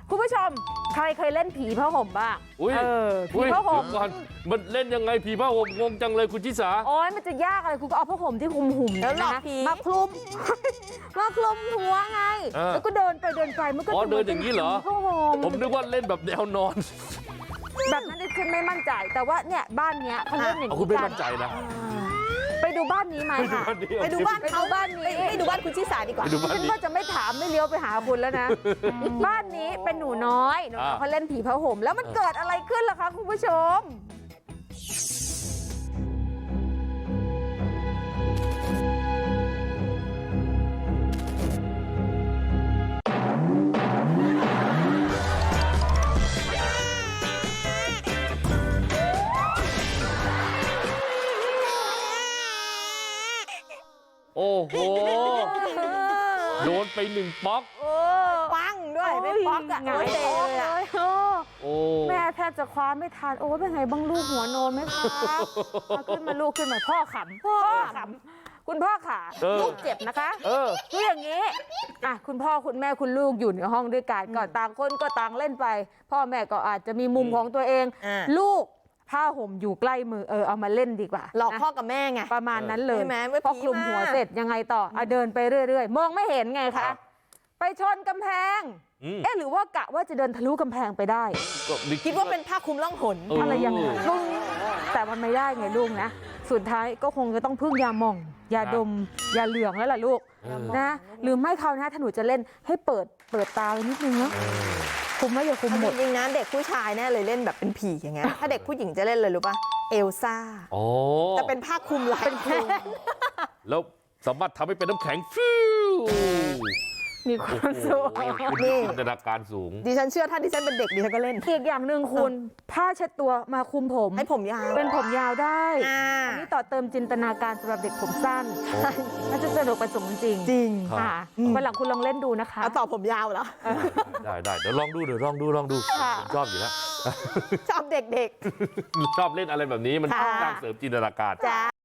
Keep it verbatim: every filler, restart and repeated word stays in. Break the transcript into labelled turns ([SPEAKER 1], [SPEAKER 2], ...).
[SPEAKER 1] คุณผู้ชมใครเคยเล่นผีผ้าห่มบ้าง
[SPEAKER 2] อุ้ย
[SPEAKER 1] เออผีผ้าห่ม
[SPEAKER 2] ก่อนมันเล่นยังไงผีผ้าห่มงงจังเลยคุณชิสา
[SPEAKER 1] โอ้ยมันจะยากอะไรคุณก็เอาผ้าห่มที่คลุมหุ่ม
[SPEAKER 3] แล้วหลอก
[SPEAKER 1] นะ
[SPEAKER 3] ผี
[SPEAKER 1] มาคลุม มาคลุมหัวไง
[SPEAKER 2] เออ
[SPEAKER 1] แล้วก็เดินไปเดินไปมันก็
[SPEAKER 2] อ๋อ
[SPEAKER 1] จะ
[SPEAKER 2] เดินอย่างนี้เหรอ
[SPEAKER 1] ผ้าห่ม
[SPEAKER 2] ผมนึกว่าเล่นแบบแนวนอน
[SPEAKER 1] แบบนั้นดิฉันไม่มั่นใจ แต่ว่าเนี่ยบ้านเนี้ยเขาเล่นอย่าง
[SPEAKER 2] เอา
[SPEAKER 1] นี้
[SPEAKER 2] คุณไม่
[SPEAKER 1] กั
[SPEAKER 2] มั่นใจนะ
[SPEAKER 1] ไปดูบ้านนี้ไหมค่ะ
[SPEAKER 3] ไปดูบ้าน
[SPEAKER 1] ไป
[SPEAKER 3] เขา
[SPEAKER 1] ดูบ้านนี้
[SPEAKER 3] ไปไปดูบ้านคุณชิสาดีกว่า
[SPEAKER 2] ไปดูบ้าน
[SPEAKER 1] ฉัน
[SPEAKER 2] นี้
[SPEAKER 1] ก็จะไม่ถามไม่เลี้ยวไปหาคุณแล้วนะ บ้านนี้เป็นหนูน้อยหนูน้อย
[SPEAKER 2] อ่า
[SPEAKER 1] เขาเล่นผีผ้าห่มแล้วมันเกิดอะไรขึ้นล่ะคะคุณผู้ชม
[SPEAKER 2] โอ้โหโดนไปหนึ่งป๊อก
[SPEAKER 1] โอ้
[SPEAKER 3] ปังด้วยเป็นป๊อกอะ
[SPEAKER 1] หงาย
[SPEAKER 3] โอ้ย
[SPEAKER 1] ท้องเลยโอ้
[SPEAKER 2] โอ้
[SPEAKER 1] แม่แทบจะคว้าไม่ทันโอ้เป็นไงบ้างลูกหัวโนนไหมคะเอาขึ้นมาลูกขึ้นมาพ่อขำพ่อขำคุณพ่อขา
[SPEAKER 2] เออ
[SPEAKER 1] ลูกเจ็บนะคะ
[SPEAKER 2] เออ
[SPEAKER 1] คืออย่างนี้อ่ะคุณพ่อคุณแม่คุณลูกอยู่ในห้องด้วยกันก็ต่างคนก็ต่างเล่นไป พ่อแม่ก็อาจจะมีมุมของตัวเอง
[SPEAKER 3] อ่า
[SPEAKER 1] ลูกผ้าห่มอยู่ใกล้มือเออเอามาเล่นดีกว่า
[SPEAKER 3] หลอก
[SPEAKER 1] นะ
[SPEAKER 3] พ่อกับแม่ไง
[SPEAKER 1] ประมาณนั้นเลย
[SPEAKER 3] ใช่ไหมเมื่อ
[SPEAKER 1] พอ
[SPEAKER 3] ผี
[SPEAKER 1] คลุม
[SPEAKER 3] มา
[SPEAKER 1] หัวเสร็จยังไงต่ออ่ะเดินไปเรื่อยๆ มองไม่เห็นไง
[SPEAKER 2] ครั
[SPEAKER 1] คะ
[SPEAKER 2] บ
[SPEAKER 1] ไปชนกำแพง
[SPEAKER 2] อืม
[SPEAKER 1] เอ๊ะหรือว่ากะว่าจะเดินทะลุกำแพงไปได้
[SPEAKER 2] ก็นึ
[SPEAKER 3] คิดว่าเป็นผ้าคลุมล่องหน
[SPEAKER 2] เอออ
[SPEAKER 1] อะไรอย่างเงี้ยลุงแต่มันไม่ได้ไงลูกนะ สุดท้ายก็คงจะต้องพึ่งยาหม่อง ยาดม ยาเหลืองแล้วล่ะลูก
[SPEAKER 2] เออ
[SPEAKER 1] นะ หรือไม่คราวหน้าถ้าหนูจะเล่นให้เปิดเปิดตาไว้นิดนึงเนาะ
[SPEAKER 2] เออ
[SPEAKER 1] คุมไว้อย่าคุมหมด
[SPEAKER 3] จริงๆนะเด็กผู้ชายแน่เลยเล่นแบบเป็นผีอย่างเงี้ยถ้าเด็กผู้หญิงจะเล่นเลยรู้ป่ะเอลซ่า
[SPEAKER 2] อ๋อ
[SPEAKER 3] จะเป็นผ้าคลุมลายเป็น
[SPEAKER 2] แล้วสามารถทำให้เป็นน้ำแข็งฟิว
[SPEAKER 1] มีความสุข
[SPEAKER 2] โอ้โหคุณมีจินตนาการสูง
[SPEAKER 3] ดิฉันเชื่อถ้าดิฉันเป็นเด็กดิฉันก็เล่น
[SPEAKER 1] อีกอย่างหนึ่งคุณผ้าเช็ดตัวมาคลุมผม
[SPEAKER 3] ให้ผมยาว
[SPEAKER 1] เป็นผมยาวได้
[SPEAKER 3] อ่า
[SPEAKER 1] อันนี้ต่อเติมจินตนาการสำหรับเด็กผมสั้นน่าจะสนุกไปสมจริง
[SPEAKER 3] จริง
[SPEAKER 1] ค่ะวันหลังคุณลองเล่นดูนะคะ
[SPEAKER 3] เอาต่อผมยาวเหรอ
[SPEAKER 2] ได้ได้เดี๋ยวลองดูเดี๋ยวลองดูลองดู
[SPEAKER 1] ค่ะ
[SPEAKER 2] ผมชอบอยู่แล้ว
[SPEAKER 3] ชอบเด็ก
[SPEAKER 2] ชอบเล่นอะไรแบบนี้มัน
[SPEAKER 3] ค่ะ
[SPEAKER 2] สร้างเสริมจินตนาการ
[SPEAKER 3] ๆจ้า